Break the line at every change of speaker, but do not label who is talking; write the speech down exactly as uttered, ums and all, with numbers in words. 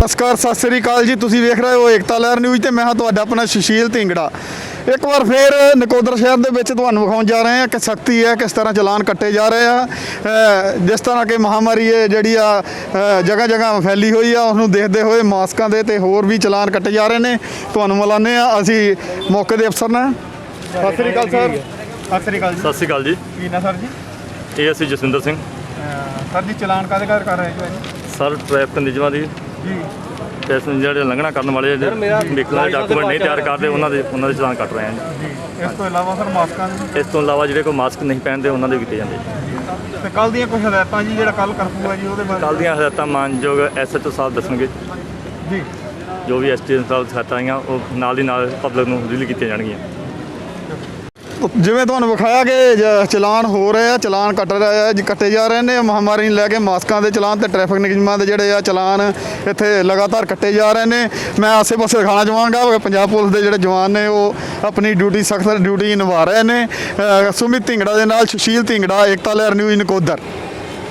ਨਮਸਕਾਰ, ਸਤਿ ਸ੍ਰੀ ਅਕਾਲ ਜੀ। ਤੁਸੀਂ ਵੇਖ ਰਹੇ ਹੋ ਏਕਤਾ ਲਹਿਰ ਨਿਊਜ਼ ਤੇ ਮੈਂ ਹਾਂ ਤੁਹਾਡਾ ਆਪਣਾ ਸੁਸ਼ੀਲ ਢਿੰਗੜਾ। ਇੱਕ ਵਾਰ ਫਿਰ ਨਕੋਦਰ ਸ਼ਹਿਰ ਦੇ ਵਿੱਚ ਤੁਹਾਨੂੰ ਵਿਖਾਉਣ ਜਾ ਰਹੇ ਹਾਂ ਕਿ ਸਖਤੀ ਹੈ, ਕਿਸ ਤਰ੍ਹਾਂ ਚਲਾਨ ਕੱਟੇ ਜਾ ਰਹੇ ਆ। ਜਿਸ ਤਰ੍ਹਾਂ ਕਿ ਮਹਾਮਾਰੀ ਹੈ ਜਿਹੜੀ ਆ ਜਗ੍ਹਾ ਜਗ੍ਹਾ ਫੈਲੀ ਹੋਈ ਆ, ਉਸਨੂੰ ਦੇਖਦੇ ਹੋਏ ਮਾਸਕਾਂ ਦੇ ਤੇ ਹੋਰ ਵੀ ਚਲਾਨ ਕੱਟੇ ਜਾ ਰਹੇ ਨੇ। ਤੁਹਾਨੂੰ ਮਿਲਾਉਂਦੇ ਆ ਅਸੀਂ ਮੌਕੇ ਦੇ ਅਫਸਰ ਨਾਲ। ਸਤਿ ਸ੍ਰੀ ਅਕਾਲ ਸਰ। ਸਤਿ ਸ੍ਰੀ ਅਕਾਲ ਜੀ।
ਸਤਿ ਸ਼੍ਰੀ ਅਕਾਲ ਜੀ।
ਕੀ ਨਾ ਸਰ ਜੀ?
ਇਹ ਅਸੀਂ ਜਸਵਿੰਦਰ ਸਿੰਘ
ਸਰ ਜੀ, ਚਲਾਨ ਕਾਹਦੇ ਕਾਹਦੇ ਕਰ ਰਹੇ ਜੀ?
ਸਰ ਟ੍ਰੈਫਿਕ ਨਿਯਮਾਂ ਦੀ
ਜੀ
ਪੈਸੇਂਜਰ ਜਿਹੜੇ ਲੰਘਣਾ ਕਰਨ ਵਾਲੇ ਵਹੀਕਲਾਂ ਦੇ ਡਾਕੂਮੈਂਟ ਨਹੀਂ ਤਿਆਰ ਕਰਦੇ ਉਹਨਾਂ ਦੇ ਉਹਨਾਂ ਦੇ ਚਲਾਨ ਕੱਟ ਰਹੇ ਹਾਂ
ਜੀ। ਇਸ ਤੋਂ ਇਲਾਵਾ ਸਰ ਮਾਸਕਾਂ ਦੇ
ਇਸ ਤੋਂ ਇਲਾਵਾ ਜਿਹੜੇ ਕੋਈ ਮਾਸਕ ਨਹੀਂ ਪਹਿਨਦੇ ਉਹਨਾਂ ਦੇ ਕੀਤੇ ਜਾਂਦੇ।
ਤੇ ਕੱਲ ਦੀਆਂ ਕੁਝ ਹਦਾਇਤਾਂ ਜੀ, ਜਿਹੜਾ ਕੱਲ ਕਰਫਿਊ ਹੈ ਜੀ, ਉਹਦੇ ਬਾਰੇ
ਕੱਲ੍ਹ ਦੀਆਂ ਹਦਾਇਤਾਂ ਮਾਨਯੋਗ ਐਸ ਐਚ ਓ ਸਾਹਿਬ ਦੱਸਣਗੇ।
ਜੀ
ਜੋ ਵੀ ਐਸ ਟੀ ਐਮ ਸਾਹਿਬ ਹਦਾਇਤਾਂ ਆਈਆਂ ਉਹ ਨਾਲ ਦੀ ਨਾਲ ਪਬਲਿਕ ਨੂੰ ਰਿਲੀਜ਼ ਕੀਤੀਆਂ ਜਾਣਗੀਆਂ।
ਜਿਵੇਂ ਤੁਹਾਨੂੰ ਵਿਖਾਇਆ ਕਿ ਜ- ਚਲਾਨ ਹੋ ਰਹੇ ਆ, ਚਲਾਨ ਕੱਟ ਰਹੇ ਆ, ਕੱਟੇ ਜਾ ਰਹੇ ਨੇ। ਮਹਾਮਾਰੀ ਨੂੰ ਲੈ ਕੇ ਮਾਸਕਾਂ ਦੇ ਚਲਾਨ ਤੇ ਟ੍ਰੈਫਿਕ ਨਿਯਮਾਂ ਦੇ ਜਿਹੜੇ ਆ ਚਲਾਨ ਇੱਥੇ ਲਗਾਤਾਰ ਕੱਟੇ ਜਾ ਰਹੇ ਨੇ। ਮੈਂ ਆਸੇ ਪਾਸੇ ਦਿਖਾਉਣਾ ਚਾਹਾਂਗਾ ਕਿ ਪੰਜਾਬ ਪੁਲਿਸ ਦੇ ਜਿਹੜੇ ਜਵਾਨ ਨੇ ਉਹ ਆਪਣੀ ਡਿਊਟੀ ਸਖਤ ਡਿਊਟੀ ਨਿਭਾ ਰਹੇ ਨੇ। ਅ, ਸੁਮਿਤ ਢਿੰਗੜਾ ਦੇ ਨਾਲ ਸੁਸ਼ੀਲ ਢਿੰਗੜਾ, ਏਕਤਾ ਲਹਿਰ ਨਿਊਜ਼ ਨਕੋਦਰ।